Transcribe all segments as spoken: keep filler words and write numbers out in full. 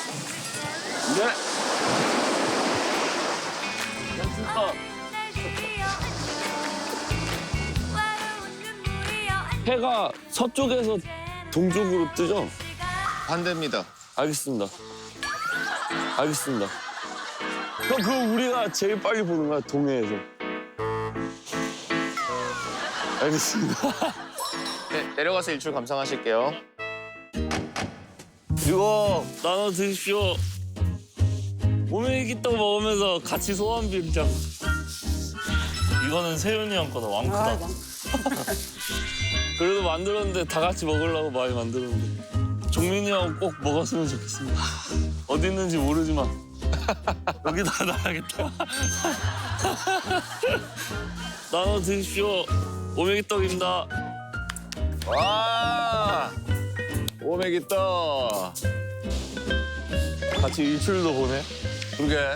네. 해가 서쪽에서 동쪽으로 뜨죠? 반대입니다. 알겠습니다. 알겠습니다. 그럼 그거 우리가 제일 빨리 보는 거야, 동해에서. 알겠습니다. 네, 내려가서 일출 감상하실게요. 이거 나눠 드십시오. 오메기떡 먹으면서 같이 소원 빌자. 이거는 세윤이 형 거다, 왕크다. 그래도 만들었는데 다 같이 먹으려고 많이 만들었는데. 종민이 형 꼭 먹었으면 좋겠습니다. 어디 있는지 모르지만 여기다 놔야겠다. 나눠 드십시오. 오메기떡입니다. 와, 오메기떡. 같이 일출도 보네. 그러게.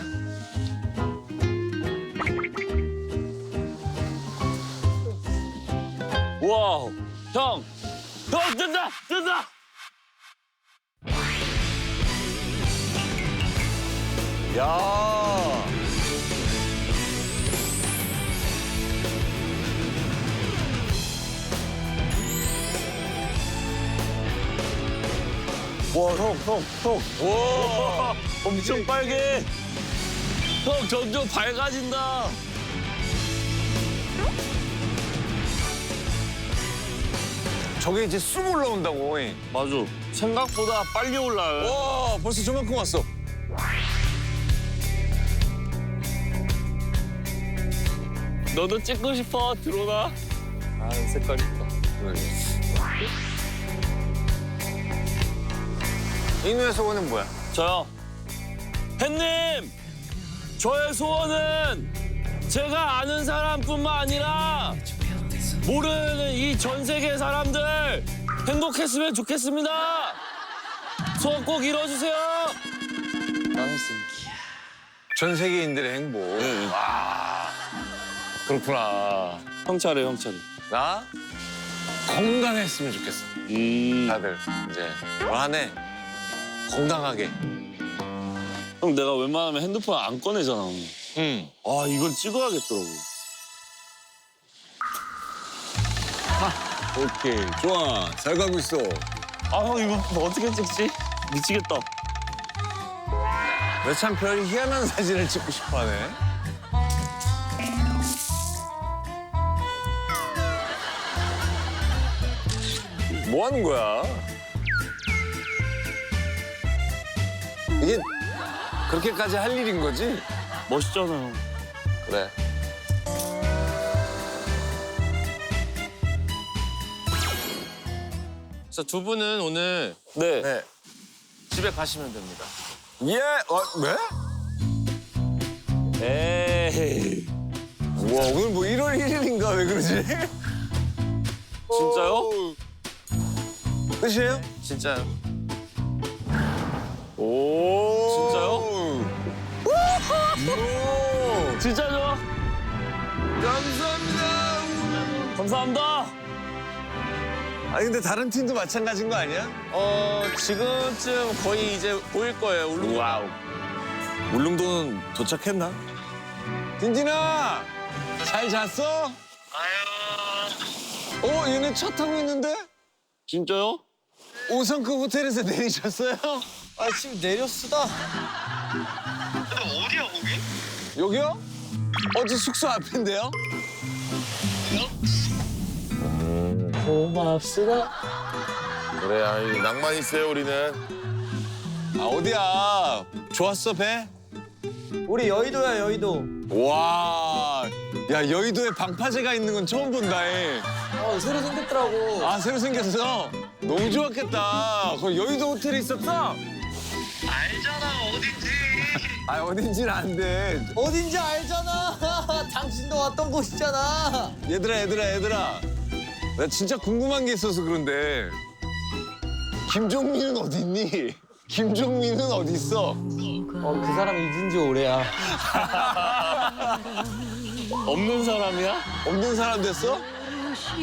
와우, 형, 형 뜬다, 뜬다. 야. 와, 형, 형, 형. 와. 엄청 빨개. 형, 점점 밝아진다. 저게 이제 쑥 올라온다고. 맞아. 생각보다 빨리 올라요. 와, 벌써 저만큼 왔어. 너도 찍고 싶어? 들어오나? 아, 색깔 이쁘다. 인우의 소원은 뭐야? 저요. 햇님! 저의 소원은 제가 아는 사람뿐만 아니라 모르는 이 전 세계 사람들 행복했으면 좋겠습니다. 소원 꼭 이뤄주세요. 나눴습니다. 전 세계인들의 행복. 네. 와, 그렇구나. 형 차례, 형 차례. 나 건강했으면 좋겠어. 음. 다들 이제 올 한 해 건강하게. 형, 내가 웬만하면 핸드폰 안 꺼내잖아. 오늘. 응. 아, 이걸 찍어야겠더라고. 오케이, 좋아. 잘 가고 있어. 아, 형, 이거 어떻게 찍지? 미치겠다. 너 참 별 희한한 사진을 찍고 싶어하네. 뭐 하는 거야? 이게 그렇게까지 할 일인 거지? 멋있잖아, 형. 그래. 그래서 두 분은 오늘 네. 네. 집에 가시면 됩니다. 예, 어, 왜? 에이. 우와, 오늘 뭐 일월 일일인가? 왜 그러지? 진짜요? 끝이에요? 진짜요? 오. 진짜요? 진짜죠? 감사합니다. 감사합니다. 아니 근데 다른 팀도 마찬가지인 거 아니야? 어, 지금쯤 거의 이제 보일 거예요, 울릉도. 와우. 울릉도는 도착했나? 딘딘아, 잘 잤어? 아유. 어, 얘네 차 타고 있는데? 진짜요? 오 성급 호텔에서 내리셨어요? 아 지금 내렸수다. 여기요? 어제 숙소 앞인데요? 고맙수다. 그래, 아이, 낭만 있어요, 우리는. 아 어디야? 좋았어 배? 우리 여의도야 여의도. 와, 야 여의도에 방파제가 있는 건 처음 본다. 해. 어 새로 생겼더라고. 아 새로 생겼어? 너무 좋았겠다. 거기 여의도 호텔에 있었어? 알잖아 어딘지. 아 어딘지는 안 돼. 어딘지 알잖아. 당신도 왔던 곳이잖아. 얘들아 얘들아 얘들아. 나 진짜 궁금한 게 있어서 그런데 김종민은 어디 있니? 김종민은 어디 있어? 어 그 사람 잊은 지 오래야. 없는 사람이야? 없는 사람 됐어?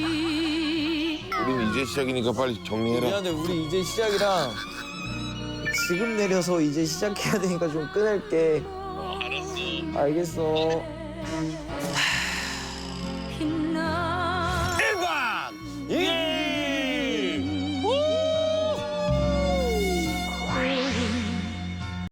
우린 이제 시작이니까 빨리 정리해라. 미안해 우리 이제 시작이라. 지금 내려서 이제 시작해야 되니까 좀 끊을게. 어, 알았어. 알겠어.